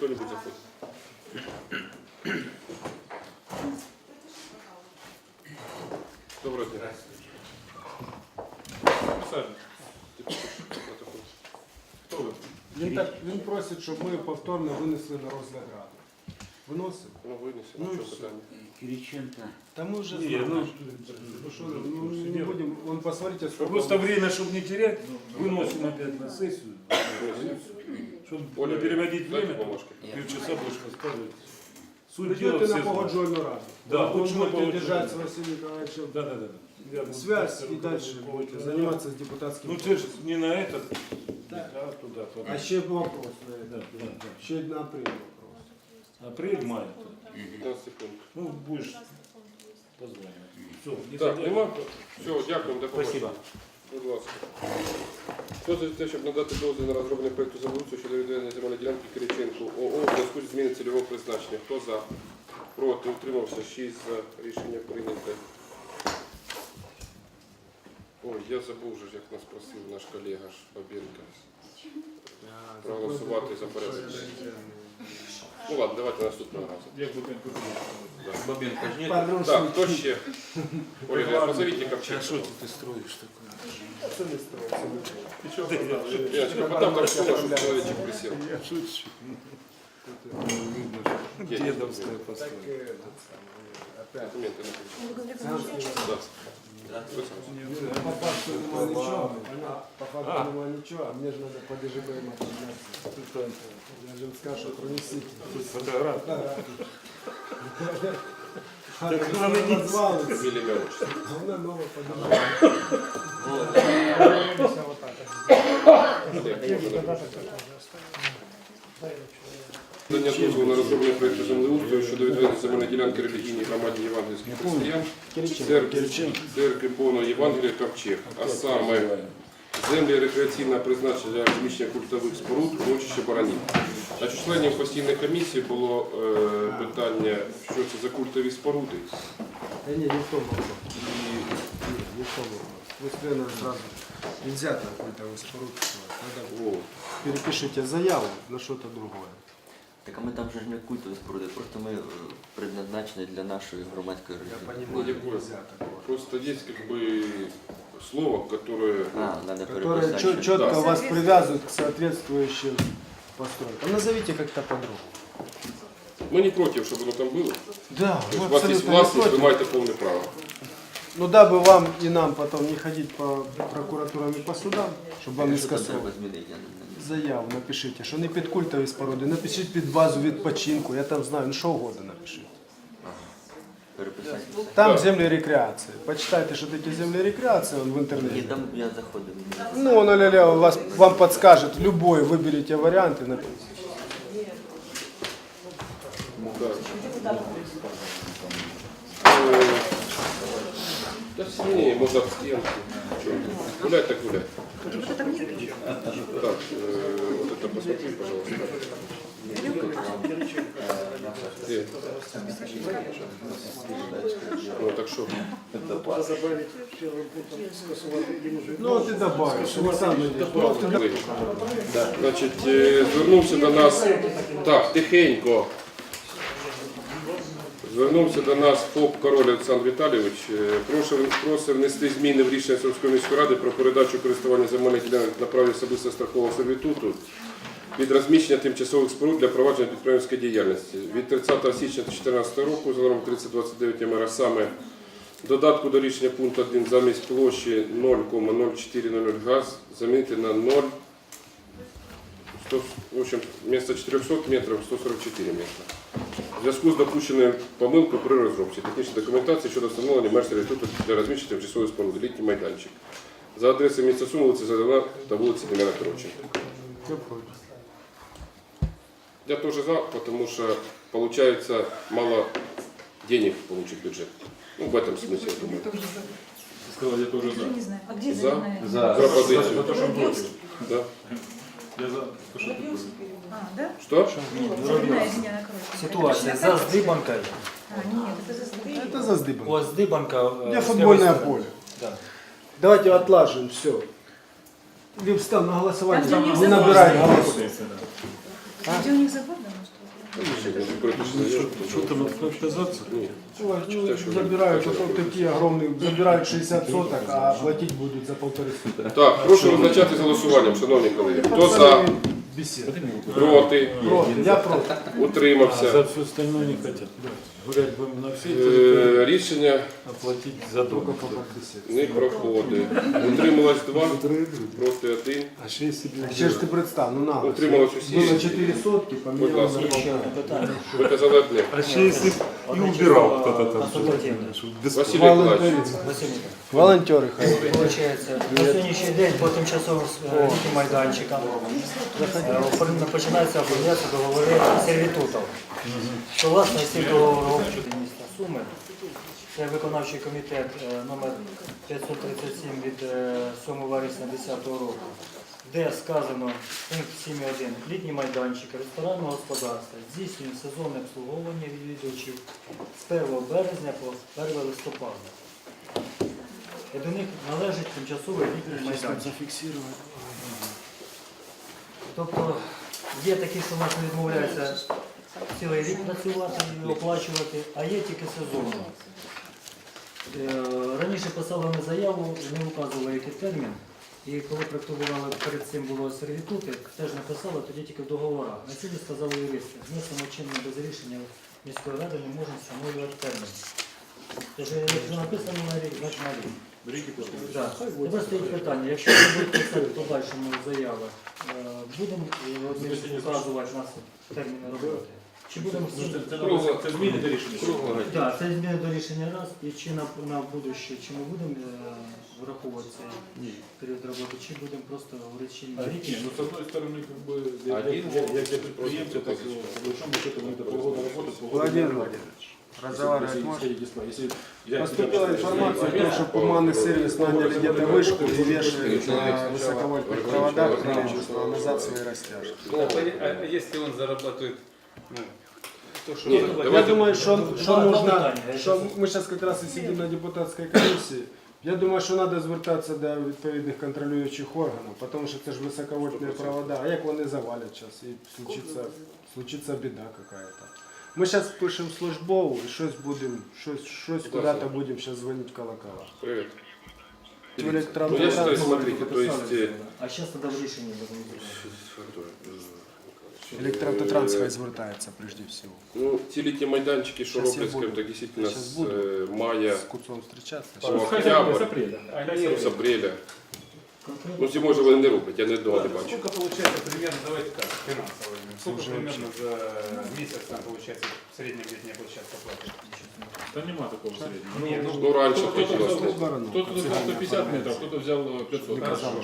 кто-нибудь заходит. Доброго дня. Хто ви? Він просить, щоб ми повторно винесли на розгляд ради. Виносимо? Ну, вынеси, Ну, ну, что всё. питание? Кириченко. Да мы уже Не, знаем. ну, Не будем, вон посмотрите, сколько... Просто время, чтобы не терять, выносим опять на сессию, чтобы Оля, не переводить дайте время, бумажки. полчаса больше рассказывать. Суть дела Придете все на знают. погодженную раду. Да, вы лучше на будете погодженную держать с раду. Василием Николаевичем Да. Я буду связь так и дальше будете заниматься с депутатским. Ну ты же не на этот, а туда. А еще вопрос на это. Да. Еще на апрель вопрос. Апрель-май. 15 секунд. Ну, будешь позвонить. Все, не Так, задерживай. нема? Все, дякуємо, до Спасибо. побачення. Будь ласка. Хто за те, щоб надати дозвіл на розроблення проєкту землеустрою щодо відведення земельної ділянки Кириченку ООО в зв'язку з зміною цільового призначення? Хто за? Проти? Утримався? 6 за. Рішення прийнято. Ой, я забув вже, як нас просив наш колега ж Бабенко проголосувати за порядок. Ну ладно, давайте наступного разу. Як Бабенко. Бабенко ж нет? Так, хто ще? Оля, позовите Ковчега. Что ты строишь такое? Это не строится. Яночка, потом там что наш человечек присел. Я шучу. Видно, что Где? дедовская Так постройка. этот самый, опять. Документы напишите. Да. По факту нема ничего, по факту нема ничего, а мне же надо по ДЖБМ подняться. Я же им скажу, что пронесите. Фотография. Развалится. Фамилия, имя, отчество. Она новая поднимает. Надання дозволу на розроблення проєкту землеустрою щодо відведення земельної ділянки релігійній громаді євангельських християн церкви повного Євангелія Ковчег, а саме землі рекреаційного призначення для розміщення культових споруд, урочище Баранів. Значить, членів постійної комісії було питання, що це за культові споруди. Да не, не в том вопрос. Не в том вопрос. Вы сразу сразу нельзя там культовый споруд. Надо О, перепишите заяву на что-то другое. Так а ми там же ж не культові споруди, просто ми предназначені для нашої громадської Я організації. понимаю, Никакое. нельзя такого. просто есть как бы слово, которое... А, надо Которые переписати. четко Да. вас привязывают к соответствующим постройкам. Назовите как-то по-другому. Мы не против, чтобы оно там было. Да, То есть у вас есть властность, вы маете полное право. Ну дабы вам и нам потом не ходить по прокуратурам и по судам, чтобы вам не Що там скасовывали. треба змінити? Я не знаю. Заяву напишіть, що не під культові споруди, напишіть під базу відпочинку, я там знаю, ну що угодно напишіть. Переписати. Там землі рекреації. Почитайте, що таке землі рекреації в Ні, інтернеті. там я заходив. Ну, он вам подскажет любой, выберите вариант и напишите. Да. Да сильнее, можно об стенку. Гулять так гулять. Так, вот это посмотри, пожалуйста. Где? Ну, так что? Ну, ти добавиш, Олександр, Значить, звернувся до нас, так, тихенько. Звернувся до нас ФОП Король Олександр Віталійович. Просить внести зміни в рішення Сумської міської ради про передачу користування земельних ділянок на праві особистого страхового сервітуту під розміщення тимчасових споруд для провадження підприємницької діяльності. Від 30 січня 2014 року за номером 3029 МР, саме додатку до рішення пункту 1 замість площі 0,0400 газ замінити на 0, в общем, вместо 400 метрів 144 метри. В зв'язку з допущеною помилкою при розробці технічної документації щодо встановлення меж сервітуту для розміщення тимчасової споруди літній майданчик за адресою міста Суми, вулиця Задана та вулиці Дем'яна Коротченка. Я тоже за, потому что получается мало денег получит бюджет. Ну, в этом смысле, я думаю. Сказал, я тоже за. Не знаю. А где За? заявная? За. Пропозицию. За то, что против. Да. Я за. То, что ты против. А, да? Что? Заявная земля накроется. Ситуація за здибанкою. А, нет, это за здыбанкой. Это за здыбом. Ось здибанка. Где футбольное поле? Да. Давайте отлажим все. Или встал на голосование, Там, где у них не забор набираем стоит. голосов. Где у них забор, да, может? Что там отказаться? Ні. Ну, забирают, вот такие огромные, забирают 60 соток, а платить будут за 1,5 соток. Так, прошу визначати з голосуванням, шановні колеги. Хто за, Беседа. проти, Я против. утримався. За все остальное не хотят. Гулять будем на все территории, Рішення оплатить за Только дом. по беседе. не проходить. Утрималось 2, проти 1. А ще если бы... Ще ж ти представ, ну на. Утрималось усі. Было 4 сотки, Будь поменяли ласка. на полтора. Ви казали одне. А ще если б и убирал кто-то там. Василь Миколаївич. Волонтеры. Получається, на сьогоднішній день по тимчасовим літнім майданчикам починаються оформлятися договори сервітутів. Що власне з цих договорів міста Суми, це виконавчий комітет номер 537 від 7 вересня 2010 року, де сказано пункт 7.1. Літні майданчики ресторанного господарства здійснюють сезонне обслуговування відвідувачів з 1 березня по 1 листопада. І до них належить тимчасовий літній майданчик. Тобто є такі, що нас не відмовляються цілий рік працювати і оплачувати, а є тільки сезонно. Раніше писали на заяву, не вказували який термін. І коли проектували, перед цим було сервітути, теж написали, тоді тільки в договорах. На цілі сказали юристи, внесено чинно без рішення міської ради не можна встановлювати термін. Тож, якщо написано на рік, значить на рік. Так. Тепер стоїть питання, якщо ви будете писати в подальшому заяви, будемо вказувати нас терміни роботи? Чи будемо Це зміни до рішення. Так, це зміни до рішення раз, і чи на будуще, чи ми будемо враховувати цей період роботи, чи будемо просто говорити, чи на рік? Ну, с одной стороны, как бы, я для предприемца, так, по большому счету, мы это полгода работать, Владимир Владимирович, разговаривать можно? Если я Поступила информация о том, что Пуманный сервис наняли где-то вышку и вешают на высоковольтных проводах канализации и растяжки. А если он зарабатывает, ну, то, что... Ні, Я давайте. думаю, что нужно, питання. что мы сейчас как раз и сидим на депутатской комиссии. Я думаю, що треба звертатися до відповідних контролюючих органів, тому що це ж високовольтні провода, а як вони завалять зараз і случиться біда якась. Ми зараз пишемо службову і щось будемо, щось куди-то будемо зараз дзвонити в колокола. Привіт. В Ну, я считаю, смотрите, то есть... А зараз тоді в рішенні будемо. Електроавтотранс хай звертається прежде всього. Ну, ці літні майданчики, що Щас я роблять, скажімо буду. так, дійсно Щас з буду. мая З Куцом зустрічатися. по октябрь, з апреля. Ну, зимой же вони не роблять, я не одного не бачу. Сколько получается примерно, давайте так, финансово, сколько примерно за месяц там получается в среднем летняя площадка платит? Да нема такого среднего. Ну, раніше Кто-то хотілося. взял 150 метров, кто-то взял 500.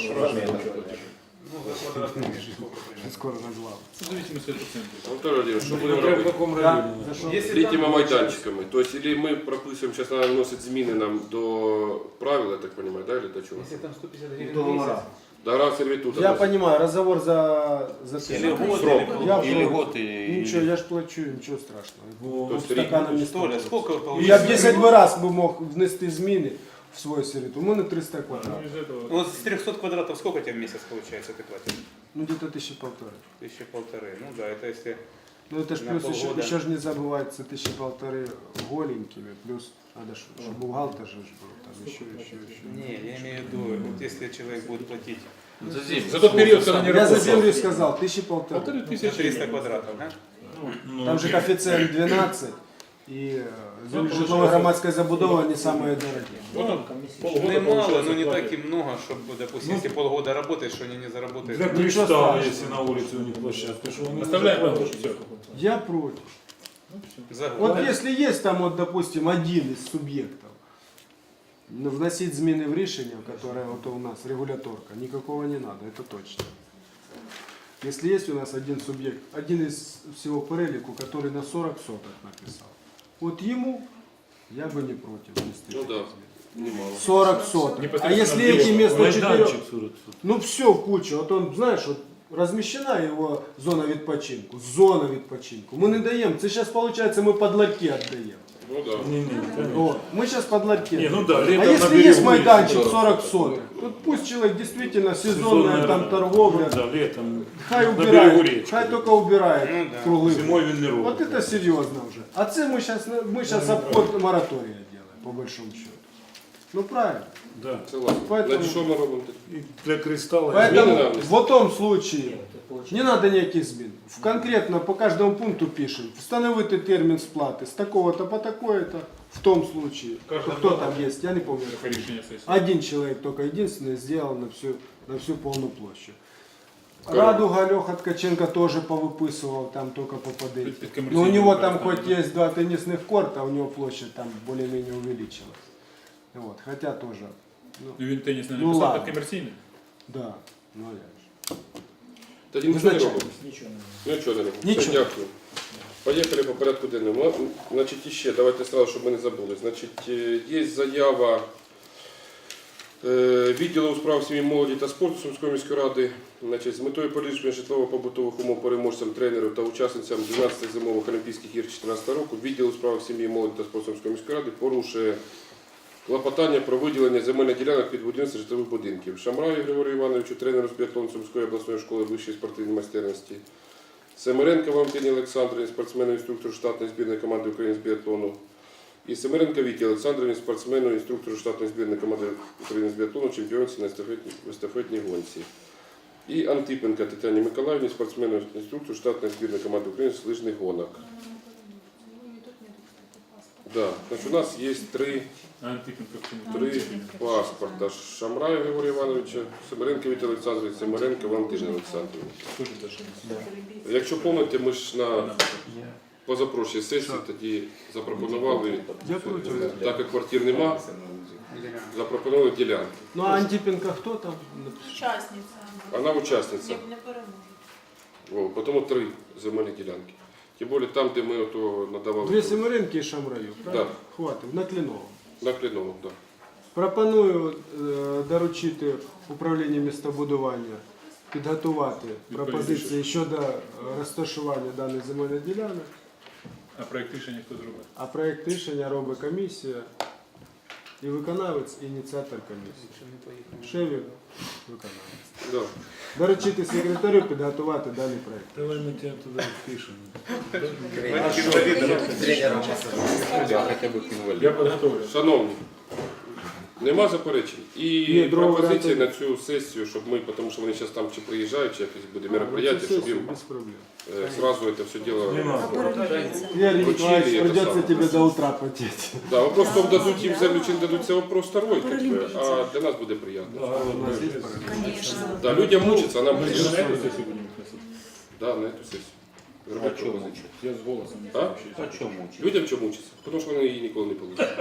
Ну, за квадратный метр сколько примерно? Скоро назвав. В зависимости от процентов. Антон Володимирович, що будемо робити? каком районе? Если Літніми там майданчиками. Тобто, или ми прописуємо, зараз треба вносити зміни нам до правил, я так розумію, да, или до чого? Если там 150 гривен в Договора. месяц, До сервітута. Я понимаю, разговор за Или год, Срок. Я или против. год, и... Ничего, я ж плачу, ничего страшного. То есть Стаканом не что ли, стоит. сколько вы І я б получаете? 10 би раз би мог внести зміни в свой сервіт. У мене 300 Ну, квадратів. из этого... Ну, вот с 300 квадратов сколько тебе в месяц получается ты платишь? Ну, где-то 1500. 1500. Ну да, это если... Ну, это ж На плюс полгода. еще ж не забывается 1500 голенькими, плюс надо ж, чтобы бухгалтер же ж был, там еще. Не, я имею в виду, вот если человек будет платить За тот период, когда не Я за работал. землю сказал, 1500. 1500 за 300 квадратов, да? Ну, Там же коэффициент 12, и житлово-громадская забудова не самые дорогие. вот полгода Немало, получается но не платят. так и много, чтобы, допустим, если полгода работаешь, что они не заработают. Для Ничего кристалла, страшного. если на улице у них площадка. что они Оставляем все. Я против. За год. Вот если есть там, вот, допустим, один из субъектов, вносить зміни в рішення, которое вот у нас регуляторка, никакого не надо, это точно. Если есть у нас один субъект, один из всего перелику, который на 40 соток написал, вот ему я бы не против внести Ну такие да. зміни. Немало. 40 соток. А Непосредственно если эти вместо 4... майданчик 40 соток. Ну все в кучу. Вот он, знаешь, вот размещена его зона відпочинку. Зона відпочинку. Мы не даем. Это сейчас получается мы под ларьки отдаем. Ну да. Вот. Мы сейчас под ларьки. Не, ну да, А летом на если берегу есть майданчик 40 40 соток, тут пусть человек действительно сезонная там торговля, Да, летом. хай на берегу убирает, речки. хай только убирает круглый. Зимой він не робить. Вот это серьезно уже. А це мы сейчас обход моратория делаем, по большому счету. Ну правильно. Да. Согласен. Поэтому- Значить, що ми робимо? І для кристалла. Поэтому надо. в том случае не надо никаких змін. Конкретно по каждому пункту пишем. Встановити термін сплати с такого-то по такое-то. В том случае. Кто там есть, я не помню. Рішення сесії. Один человек только единственный сделал на всю полную площадь. Радуга Леха Ткаченко тоже повыписывал, там только попадает. Під Но у комерційним него там використанням. хоть есть 2 теннисных корта, у него площадь там более-менее увеличилась. Вот, хотя тоже, Ну, він теніс не Ну, написав, ладно. так комерційний. да, ну а як же. Тоді нічого не Визначаємо. робимо. Нічого не Нічого не робимо. Нічого. Все, дякую. Поїхали по порядку денному. Значить, іще, давайте сразу, щоб ми не забули. Значить, є заява відділу у справах сім'ї, молоді та спорту Сумської міської ради. Значить, з метою поліпшення житлово-побутових умов переможцям, тренерів та учасницям 12 зимових Олімпійських ігор 2014 року відділ у справах сім'ї, молоді та спорту Сумської міської ради порушує клопотання про виділення земельних ділянок під будівництво житлових будинків. Шамраю Григорію Івановичу, тренеру з біатлону Сумської обласної школи вищої спортивної майстерності. Семеренко Валентині Олександрівні, спортсмену, інструктору штатної збірної команди України з біатлону. І Семеренко Віті Олександрівні, спортсмену, інструктору штатної збірної команди України з біатлону, чемпіонці на естафетній гонці. І Антипенко Тетяні Миколаївні, спортсмену, інструктору штатної збірної команди України з лижних гонок. Да. Значить, у нас є три паспорта. Шамрая Григорія Івановича, Семеренко Віті Олександрівні, Семеренко Валентині Олександрівні. Якщо пам'ятаєте, ми ж на позапрошлій сесії тоді запропонували, Я проти. так як квартир нема, запропонували ділянки. Ну а Антипенко хто там? Учасниця. Вона учасниця. Не переможе. О, тому три земельні ділянки. Тим більше там, де ми ото надавали. Дві Семеренки і Шамраю, правильно? Да. Хватить, на Кліновому. На Кліновому, так. Пропоную доручити управлінню містобудування підготувати пропозиції щодо розташування даних земельних ділянок, А проєкт рішення хто зробив? а проєкт рішення робить комісія і виконавець, і ініціатор комісії. Шевір, виконавець. Да. Доручити секретарю підготувати даний проєкт. Давай ми тебе туди впишемо. Я підготовлю. Шановні, нема заперечень. І Ні, другого пропозиції на варіанту цю сесію, щоб ми, тому що вони зараз там чи приїжджають, чи якесь буде Це мероприятие, щоб сесія, їм без проблем. сразу це все діло. Юрий Вручили Николаевич, это придется самое. тебе до утра потеть. Да, вопрос в тому, дадуть їм землю чи не дадуть, це вопрос второй, как бы, а для нас буде приємно. У нас есть порядок? Конечно. Да, людям мучиться, а нам Ми мучиться. ж на эту сесію будемо виносити. Да, на эту сесію. Зробити пропозицію. Я з голосом. А? Людям чому мучиться? Тому що вони її ніколи не получать.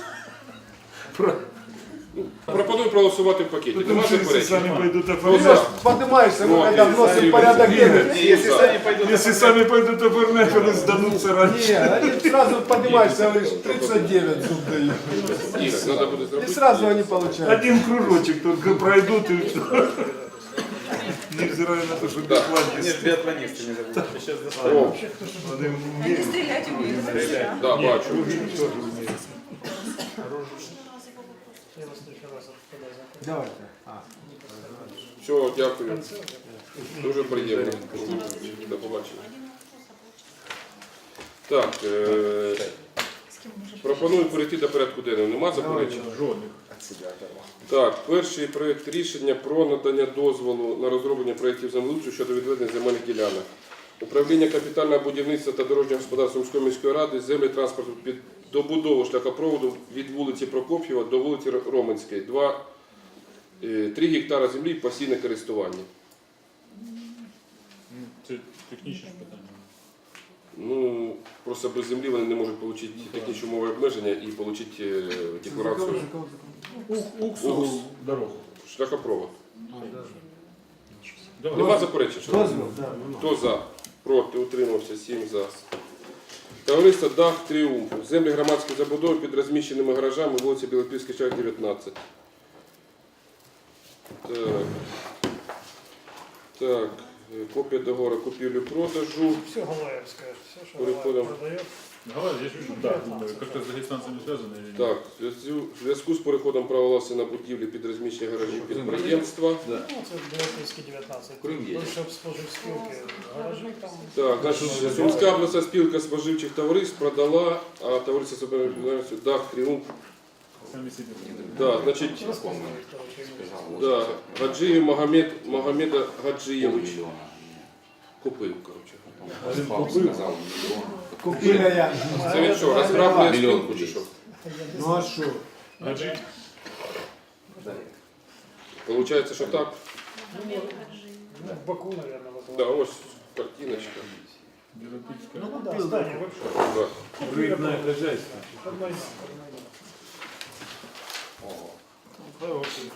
Ну, пропоную проголосувати в пакеті. Нема заперечень. Самі пойдуть Ну, оформляти. Поднимаешься, Вот, когда и вносим Сергей порядок Васильевич. денег. Якщо самі пойдуть оформляти, вони здадуться раніше. Не, они сразу поднимаешься, говоришь, 39 зуб дают. Ігор, треба буде И зробити. сразу они получают. Один кружочек только пройдут и все. Невзирая на то, что Да. биатлонисты. О, Вони Они стрелять умеют. Да. да, бачу. Я вас ще раз подаю. Давайте. Все, дякую. Дуже приємно. До побачення. Так, пропоную перейти до порядку денного. Нема заперечень? жодних. Так, перший проєкт рішення про надання дозволу на розроблення проєктів землеустрою щодо відведення земельних ділянок. Управління капітального будівництва та дорожнього господарства Сумської міської ради землі транспорту під добудову шляхопроводу від вулиці Прокоп'єва до вулиці Роменської. 3 гектара землі в постійне користування. Це технічне ж питання. Ну, просто без землі вони не можуть отримати технічні умови обмеження і отримати декларацію Уксу дорогу. шляхопровод. Давай. Нема заперечень? шановні? Дозвол, да, ну, Хто за? Проти? Утримався? 7 за. Товариство Дах Тріумф. Землі громадської забудови під розміщеними гаражами вулиця Білопільський шлях 19. Так. Копія договору купівлі-продажу. Все Галаевское, все, что Переходимо. Галаев продает. Гараж, я чуть-чуть, да, думаю, как-то с дагестанцами связаны или нет? Так, в зв'язку з переходом права власності на будівлі під розміщення гаражів підприємства. Ну, це Білопільський 19. Крим є. Більше споживспілки, гаражі там. Так, значить, Сумська обласна спілка споживчих товариств продала, а товариство собою відповідальністю Дах Тріумф. Сами себе. Да, значить, да, Гаджиєв Магомеда Гаджиєвич. Купив, коротше. Купили я. Це він що, розграбує спілку чи що? Ну а что? Аджи? Получається, що так? Ну, в Баку, наверное, Да, ось картиночка. Белопильская. Ну, да, здание вообще. Да. Рыбное хозяйство. Одна из- Хороший.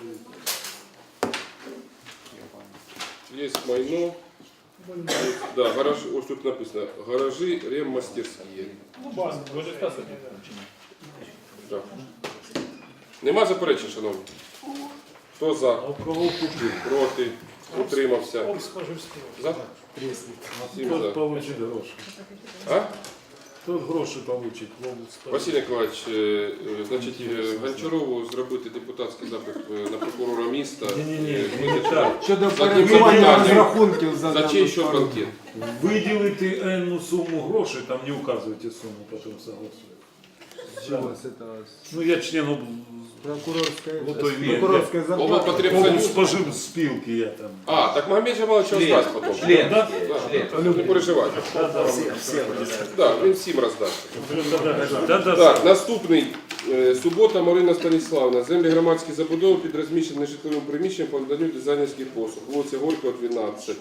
Є майно. Да, гараж, ось тут написано. Гаражі реммастерські. Ну, база. Вы же Стаса не Так. Нема заперечень, шановні? Хто за? А у кого купил? Проти? Утримався? Об споживспілки. За? Всім за. Тот получит гроши. А? Тот гроши получит. Василь Николаевич, значить, Гончарову зробити депутатський запит на прокурора міста. Не-не-не, не так. Щодо За перебування депутатів. розрахунків За дану чий що сторону. банкет? Выделите энну сумму грошей, там не указывайте сумму, потом согласуют. Чего с этого? Ну я член Прокурорская, Ну, то есть, прокурорская Голова зарплата. потребує. спожив спилки я там. А, так Магомед Джамалович роздасть потім. Член. Да, не переживайте. Да, він всім роздасть. Да-да. Так, наступний. Субота Марина Станіславна. Землі громадські забудови під розміщеним житловим приміщенням по наданню дизайнерських послуг. Вулиця Горького, 12.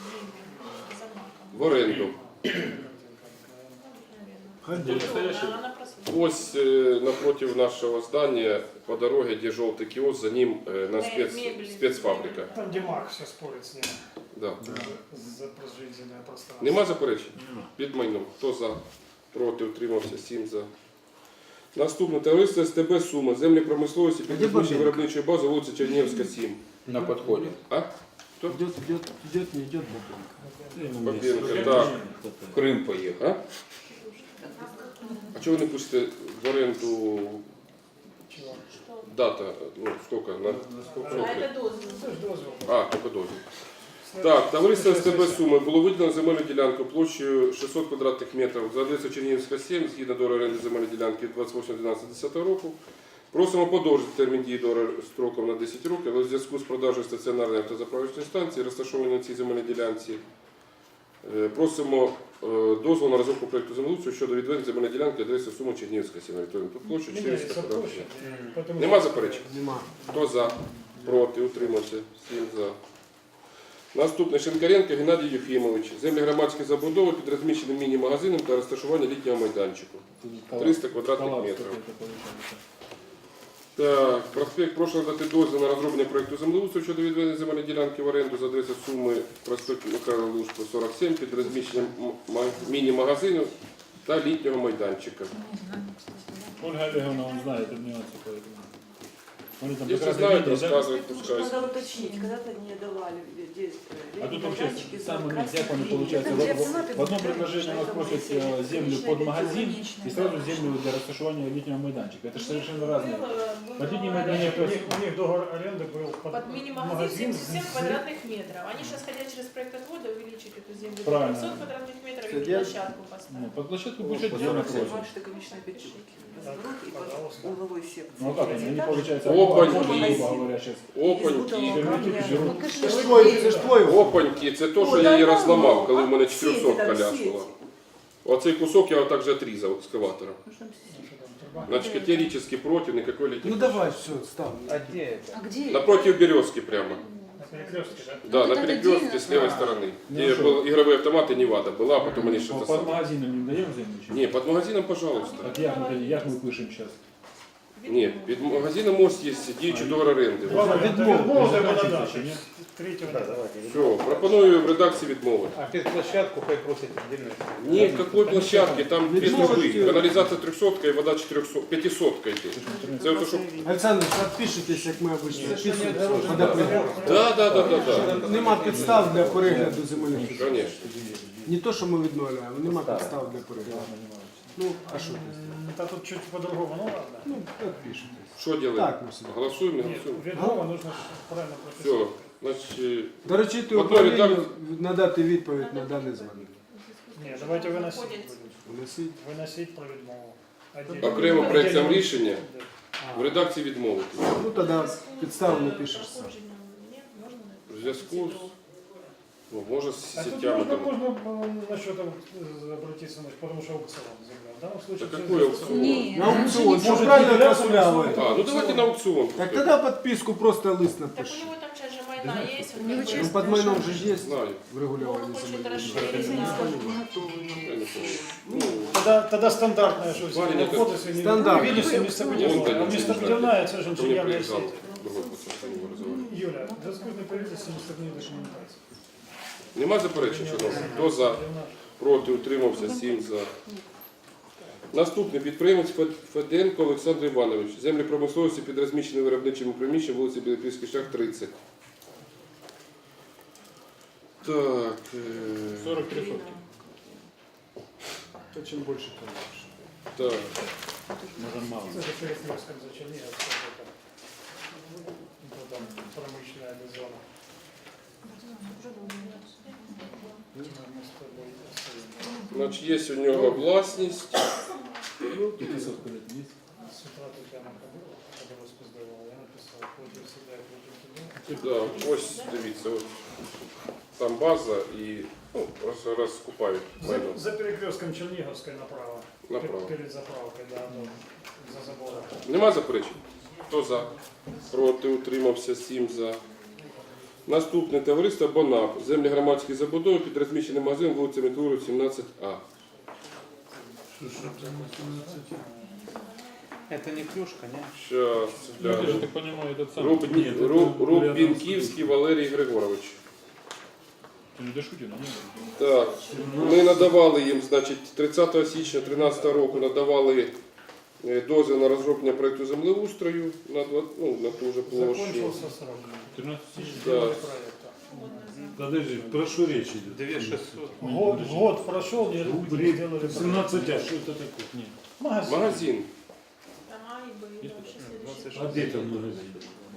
В оренду. Она просила. Ось напротив нашего здания по дороге, где желтый киоск, за ним на спецфабрика. Там, где Марк все спорит с ним Да. за прожизненное пространство. Нема заперечень? Під майном. Хто за? Проти, утримався, 7 за. Наступне товариство СТБ Сума. Землі промисловості під розміщенням виробничої бази, вулиця Чернігівська, 7. На подходе. А? Идет, не идет Бабенко. Бабенко, так. В Крым поехал. А? А чого ви не пустите в оренду Чего? дата? Ну, сколько? На сколько А років? это дозвіл. Це ж дозвіл. А, тільки дозвіл. Так, товариство СТБ Суми було виділено земельну ділянку площею 600 квадратних метрів за адресою Чернігівська 7, згідно до оренди земельної ділянки 28.12.10 року. Просимо подовжити термін дії до строком на 10 років, але в зв'язку з продажею стаціонарної автозаправочної станції, розташованої на цій земельній ділянці, просимо дозволу на розробку проєкту землеустрою щодо відведення земельної ділянки адреси Суми Чернігівська 7, орієнтовну площу 400 Міняється квадратних площа. метрів. Поэтому- Нема заперечень? Нема. Хто за? Проти? Утримався? 7 за. Наступний Шинкаренко Геннадій Юхімович. Землі громадські забудови під розміщеним міні-магазином та розташування літнього майданчику. 300 квадратних метрів. Так, проспект прошу дати дозвіл на розроблення проєкту землеустрою щодо відведення земельної ділянки в оренду за адресою Суми проспект Михайла Лужко, 47 під розміщенням міні-магазину та літнього майданчика. Ольга Олеговна, он знает нюансы, поэтому. Они там Якщо как раз знають, видели, да? розказують, пускай. Надо уточнить, когда-то не давали А тут вообще самый нельзя, получается, в одном предложении у нас просят землю под магазин и сразу землю для рассташивания летнего майданчика. Это же совершенно разные. Под летний майданчик, то есть, У них договор аренды был Под мини-магазин 77 квадратных метров. Они сейчас хотят через проект отвода увеличить эту землю до Правильно. 300 квадратных метров и Сидят. площадку ну, поставить. под площадку будет отдельно просят. Башня конечная печать. Разворот и Пожалуйста. под угловой секции. Ну а как они, они получается, Опаньки. грубо говоря, сейчас. Опаньки. Це ж твой. Опаньки, це то, що я її розламав, коли в мене 400 ляснула. Оцей кусок я отак же отрізав екскаватором. Значит, категорически против никакой летней. Ну давай, все, ставь. А где это? А где? Напротив березки прямо. на перекрестке, да? Да, Ну, на это перекрестке отдельно. с левой стороны. Ну, Где что? был игровые автоматы, Невада была, а потом они что-то Под самое. магазином не даем землю? чи ні? Не, под магазином, пожалуйста. Так як ми пишемо зараз? Ні, під магазином мост є діючий договор оренди. Відмовити чи ні? Третього. Все, пропоную в редакції відмовити. А під площадку хай просять отдельно. Ні, какой площадки, там без трубы. Канализация 300 и вода 400, 500 йде. Це ото, що... Олександр, підпишитесь, як ми обично підписуємося. Да. Нема підстав для перегляду земельних. Конечно. Не то, що ми відмовляємо, нема підстав для перегляду. Ну, а что ты сделаешь? Та тут чуть по-другому, ну ладно. Ну, как пишете. Що робимо? Так, ну, себе. Голосуємо, не Нет, голосуємо? відмова нужно ж правильно Все, прописати. значить, Доручити Одної управлінню надати відповідь на дане звернення. Ні, давайте виносити Виходять. будемо. Внесіть. Виносить про відмову. Отдельно. окремо проєктом Отдельно. рішення Да. в редакції відмовити. Ну, тоді підставу напишеш сам. В зв'язку з, ну, може, з А тут сетями там. можно насчет обратиться, потому что аукцион земля. В данном случае... Да через какой аукцион? Нет. На аукцион, Может, что правильно являться Красулявый. А, ну давайте на аукціон. Так тогда подписку просто лист Так у напиши. него там сейчас же майна есть. У него как бы. часть- Ну, под майном же есть Знаю. в регулировании Он хочет земельных расширить, участков. Я не помню. Ну, Тогда стандартная, что все Ваня, входы, если стандарт. не видишь, местобудівна. А местобудівна, це ж ко мне инженерная приезжал сеть. другой пацан, с ним разговаривал. Юля, разгрузный правительство местобудівної документації. Нема заперечень, шановні? Хто за? Проти, утримався, 7 за. Наступний підприємець Феденко Олександр Іванович. Землі промисловості під розміщеним виробничим приміщенням вулиці Білопільський шлях, 30. Так. 43 сотки. То чем больше, тем лучше. Так. Може мало. Це же перекрестком за Черниговском. Там промышленная зона. Значить, є у нього власність. Пятисот лет есть. С утра тут я находила, когда распоздавала, я написал, против себя, против тебя. Да, ось дивіться, от. Там база і ну, розкупають майно. За перекрестком Черниговской направо. Направо. Перед заправкой, да, за забором. Нема заперечень? Хто за? Проти, утримався, 7 за. Наступне товариство БОНАП. Землі громадської забудови під розміщеним магазином вулиця Метлуру, 17А. Это не клюшка, не? Щас, Ну, это же, гляну. так понимаю, этот самый. Рубінківський Валерій Григорович. Ты не дошутил, не? Так, ми надавали їм, значить, 30 січня 2013 року надавали дозвіл на розроблення проєкту землеустрою на, на ту же площу. Закончился срок. 13 тысяч. Да. Проекта. Подожди, прошу речь идет. 2600. Год прошел, не сделали 17, а что это такое? Нет. магазин. Магазин. Там А и Б, и вообще следующий. А где там магазин?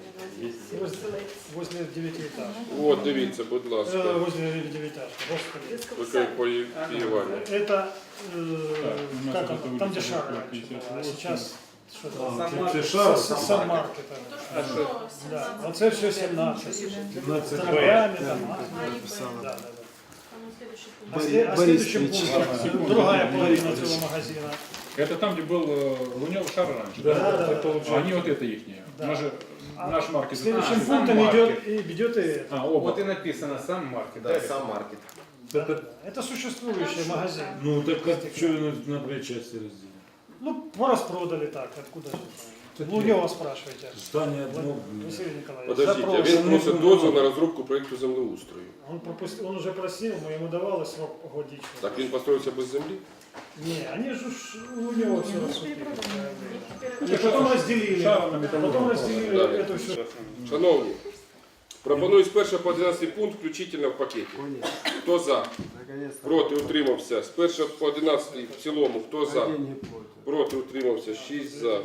Возле 9-этажки. От, дивіться, будь ласка. Возле 9-этажки, господи. Таке поєвання. Это, у нас как вот оно, эта там улица где шар такой, раньше 58. было, а сейчас что-то. Це шар, Сан-Маркет. То, что Да, 17. оце все 17. 17 Торгами там. А и Б. Да, да, да. Там следующий А, пункт. а следующим Борис пунктом другая половина этого магазина. Это там, где был Лунев шар раньше. Да, да, это да. получается. А они вот это их. Да. Мы же наш маркет. Следующим А, пунктом Сан-Маркет. идет и это. А, оба. Вот и написано сам маркет. Да, сам маркет. Да, да. Это существующий магазин. Ну так а что на две части разделить? Ну, пораспродали так, откуда же это? Лунева спрашивайте. Здание одно. Василий Николаевич. Подождіть, запрос. він просить дозвіл на розробку проєкту землеустрою. Он уже просил, мы ему давали срок годичный. Так він построївся без землі? Не, они же у него все раскупили. Теперь И потом разделили. Шаром на металлолом. Потом разделили Да. это все. Шановні, пропоную з 1 по 11 пункт включительно в пакеті. Понял. Хто за? Наконец-то. Проти, утримався. З 1 по 11 в цілому. Хто за? Деньги платят. Проти, утримався. 6 за.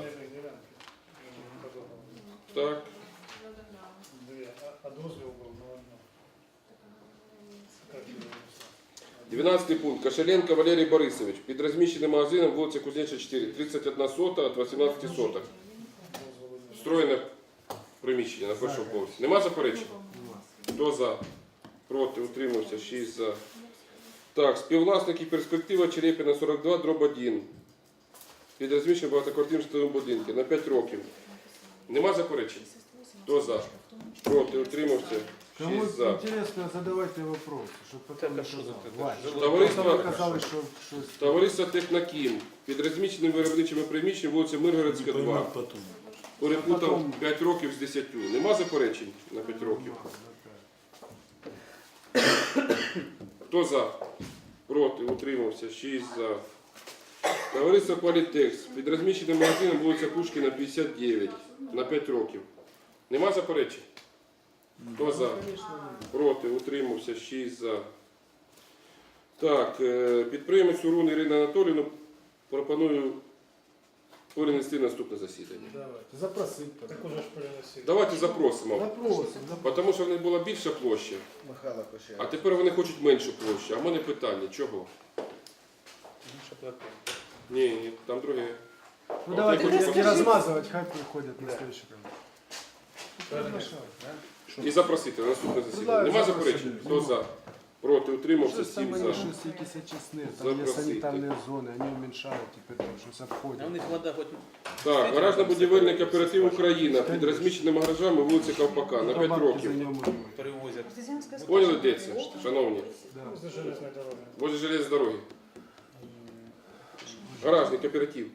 Так. А дозвел был на одно. Как его написать? 12 пункт. Кошеленко Валерій Борисович. Під розміщеним магазином вулиця Кузнеча 4. 31 сота від 18 соток. Встроєне приміщення на першому поверсі. Нема заперечень? Хто за? Проти, утримався, 6 за. Так, співвласники перспектива Черепіна 42, дроб 1. Під розміщенням багатоквартирним житловим будинку на 5 років. Нема заперечень? Хто за? Проти, утримався, Кому 6 за. интересно, задавайте вопросы, чтобы потом не казалось. Вань, Товариство, потом казалось, что товариство Технокім. Під розміщеним виробничими приміщенням вулиця Миргородська 2. Поймут потом. Перепутав 5 років з 10. Нема заперечень на 5 років? Хто за? Проти, утримався, 6 за. Товариство Квалітекс. Під розміщеним магазином вулиця Пушкіна 59 на 5 років. Нема заперечень? Хто за? Проти, утримався, 6 за. Так, підприємець Урун Ірина Анатоліївна пропоную перенести наступне засідання. Давайте, запросить тогда. Так уже ж переносили. Давайте запросимо. Запросим. Тому що в них була більша площа, Михайло Кошель. а тепер вони хочуть меншу площу. А в мене питання, чого? Ну, что платить. Ні, там друге. Ну давайте я хочу не размазывать, хай приходят на следующий І запросити на наступне засідання. Нема заперечень? Хто за? Проти, утримався, 7 за. Что якісь очисні, там є Запросити. санітарні зони, вони уменьшають тепер там щось обходять. Так, гаражно-будівельний кооператив Україна під розміщеними гаражами вулиці Ковпака на 5 років. Перевозят. Поняли, де це, шановні? Возле железної дороги. Возле железної дороги. Гаражний кооператив.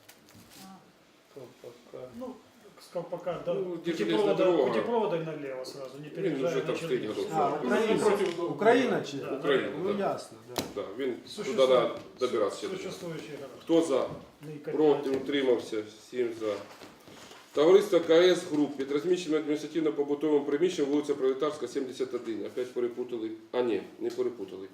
Ну, с колпака до Ну, где железная дорога. путепровода и налево сразу, не Він переезжая вже на там стоїть Черниговскую. годов. Україна чи? Україна, Ну да. ясно, да. Да, він туди треба добиратися. Существующие города. Хто за? Проти, утримався, 7 за. Товариство КС Груп під розміщеним адміністративно-побутовим приміщенням вулиця Пролетарська, 71. Опять перепутали. А ні, не перепутали.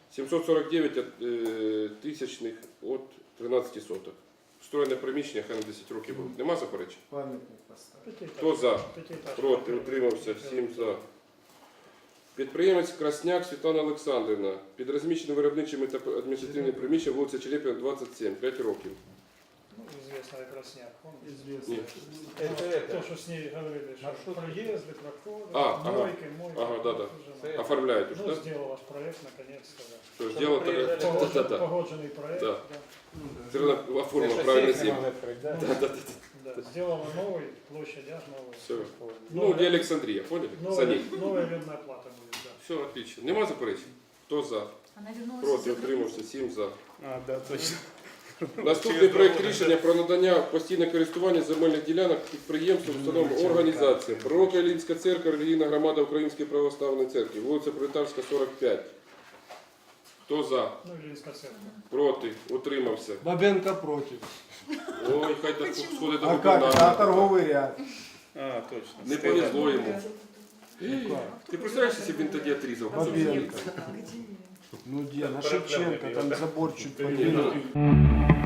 749 тисячних от 13 соток. Встроєне приміщення, хай на 10 років буде. Нема заперечень? Пам'ятник поставити. Хто за? Пятиэтажка. Проти, утримався, 7 за. Підприємець Красняк Світлана Олександрівна під розміщеним виробничим та адміністративним приміщенням вулиця Челепіна, 27, 5 років. Ну, известная Красняк. Известно. Ні. То, что с ней говорили, что проезды, проходы, ага. мойки, мойки. Ага, да-да. Уже, Оформляють уже, ну, так? сделал ваш проект, наконец-то. Да. Що, зробили таке? Да-да-да. Погодженный проект. Да. Да. Все одно оформила правильно землю. Да. Да-да-да. Да. Сделала новый, площадь аж новый. Все. Ну, для Олександрія, поняли? За ней. Новая арендная плата будет, да. Все, отлично. Нема заперечень? Хто за? Она вернулась. Проти, утримався, 7 за. А, да, точно. Наступний проект рішення про надання постійне користування земельних ділянок підприємствам, установам, організаціям. Пророка Іллінська церква, релігійна громада Української православної церкви, вулиця Пролетарська, 45. Хто за? Ну, Ильинская церковь. Проти, утримався. Бабенко проти. Ой, хай так сходить до А как? А губернатора. торговий ряд. А, точно. Не повезло йому. Ну как? Ти представляєш, якщо б він тоді отрізав? Бабенко. Ну где? На Шевченко там забор чуть Ні, подвинут. ну,